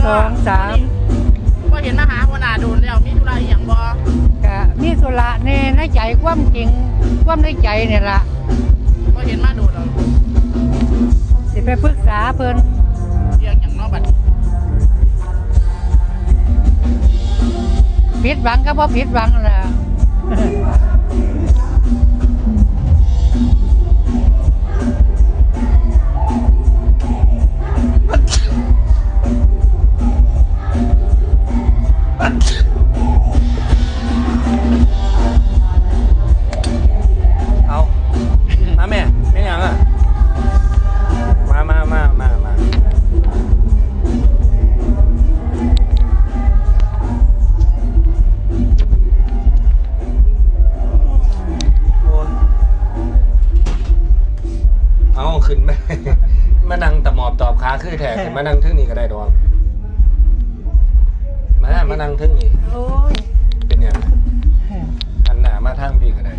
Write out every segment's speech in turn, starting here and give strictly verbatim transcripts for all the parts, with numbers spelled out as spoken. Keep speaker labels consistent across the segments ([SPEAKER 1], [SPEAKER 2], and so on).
[SPEAKER 1] สองสาม
[SPEAKER 2] ก็เห็นมาหาหัวหน้าโดนแล้วมีธุระอย่างบ่
[SPEAKER 1] กะมีสุระในในใจความจริงความในใจเนี่ยล่ะ
[SPEAKER 2] ก็เห็นมาโดนแล้ว
[SPEAKER 1] สิไปปรึกษาเพิ่น
[SPEAKER 2] เรื่องอย่างนอกบัด
[SPEAKER 1] ผิดหวังก็บ่ผิดหวังล่ะ
[SPEAKER 3] เอามาแม่ไม่ยังอ่ะมามามามามาเอาขึ้นไปมานั่งตะหมอบตอบขาคือแท้ขึ้นมานั่งทึ่งนี้ก็ได้ดอกมามานั่งทึ่งนี้
[SPEAKER 1] โอ้ย
[SPEAKER 3] เป็นอย่างอันหนามาทางพี่ก็ได้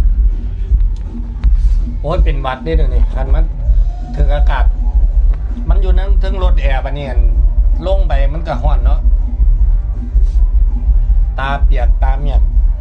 [SPEAKER 3] โอ้ยเป็นวัดได้เดี๋ยวนี้คันมันถึงอากาศมันอยู่นั่งทึ่งรถแอร์ปะเนี่ยลงไปมันก็ห้อนเนาะตาเปียกตาเมียก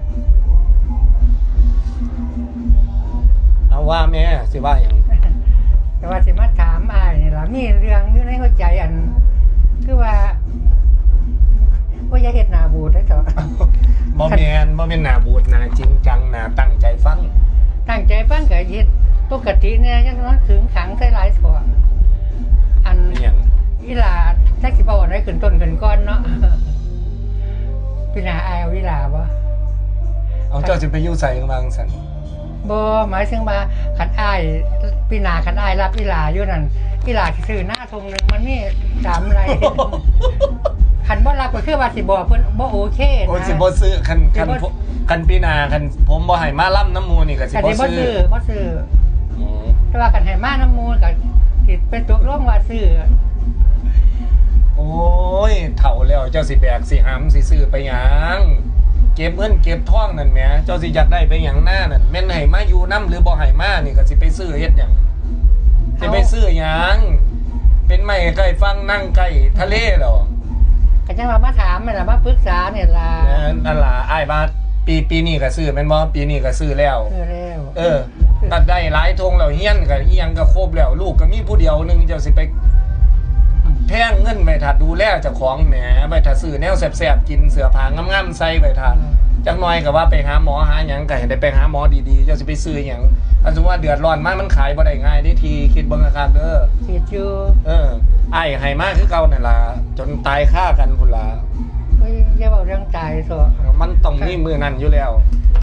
[SPEAKER 3] เอาว่าแม่สิว่าอย่าง
[SPEAKER 1] แต่ว่าสิมาถามอ้ายนี่ล่ะมีเรื่องอยู่ในหัวใจอันคือว่าว่าอย่าเฮ็ดหน้าบูดได้เถอะ
[SPEAKER 3] บ่แม่นบ่แม่นหน้าบูดหน้าจริงจังหน้าตั้งใจฟัง
[SPEAKER 1] ตั้งใจฟังก็เฮ็ดปกติเนี่ยยังมันขึงขังใส่หลายส่วนอันอีหลาจักสิบ่ได้ขึ้นต้นขึ้นก้อนเนาะพี่นาอายเอาอีหลาบ่
[SPEAKER 3] เอาเจ้าสิไปอยู่ไสบางซั่น
[SPEAKER 1] บ่หมายถึงว่าคันอ้ายพี่นาคันอ้ายรับอีหลาอยู่นั่นอีหลาสิซื้อหน้าทงนึงมันมีสามไร่คันบ่รับก็คือว่าสิบ่เพิ่นบ่โอเคนะ
[SPEAKER 3] โอ้สิบ่ซื้อคันคันคันปีหน้าคันผมบ่ให้มาล่ำน้ำมูนี่ก็สิบ่ซื้อ
[SPEAKER 1] บ่ซื้อบ่ซื้อแต่ว่าคันให้มาน้ำมูก็สิเป็นตกลงว่าซื้อ
[SPEAKER 3] โอ้ยเฒ่าแล้วเจ้าสิแบกสิหำสิซื้อไปหยังเก็บเงินเก็บทองนั่นแหมเจ้าสิอยากได้ไปหยังหน้านั่นแม่นให้มาอยู่นำหรือบ่ให้มานี่ก็สิไปซื้อเฮ็ดหยังสิไปซื้อหยังเป็นไม้ใกล้ฟังนั่งใกล้ทะเลเหรอ
[SPEAKER 1] ก็จังว่ามาถามแม่นล่ะมาปรึกษาเนี่ยล่ะ
[SPEAKER 3] นั่นล่ะอ้ายว่าปีปีนี้ก็ซื้อแม่นบ่ปีนี้ก็ซื้อแล้ว
[SPEAKER 1] ซื้อแล้ว
[SPEAKER 3] เออตัดได้หลายธงแล้วเฮียนก็อีหยังก็ครบแล้วลูกก็มีผู้เดียวนึงเจ้าสิไปแพงเงินไปถ้าดูแลเจ้าของแหมไปถ้าซื้อแนวแซ่บๆกินเสื้อผ้างามๆใส่ไปถ้าจักหน่อยก็ว่าไปหาหมอหาหยังก็ให้ได้ไปหาหมอดีๆเจ้าสิไปซื้อหยังอันสมมุติว่าเดือดร้อนมามันขายบ่ได้ง่ายได้ทีคิดเบิ่งอาการเด้อ
[SPEAKER 1] คิดอยู่
[SPEAKER 3] เอออ้ายให้มาคือเก่านั่นล่ะจนตายค่ากันพุ่นล่ะ
[SPEAKER 1] เฮ้ยอย่าเว้าเรื่องตายซะ
[SPEAKER 3] มันต้องมีมื้อนั้นอยู่แล้ว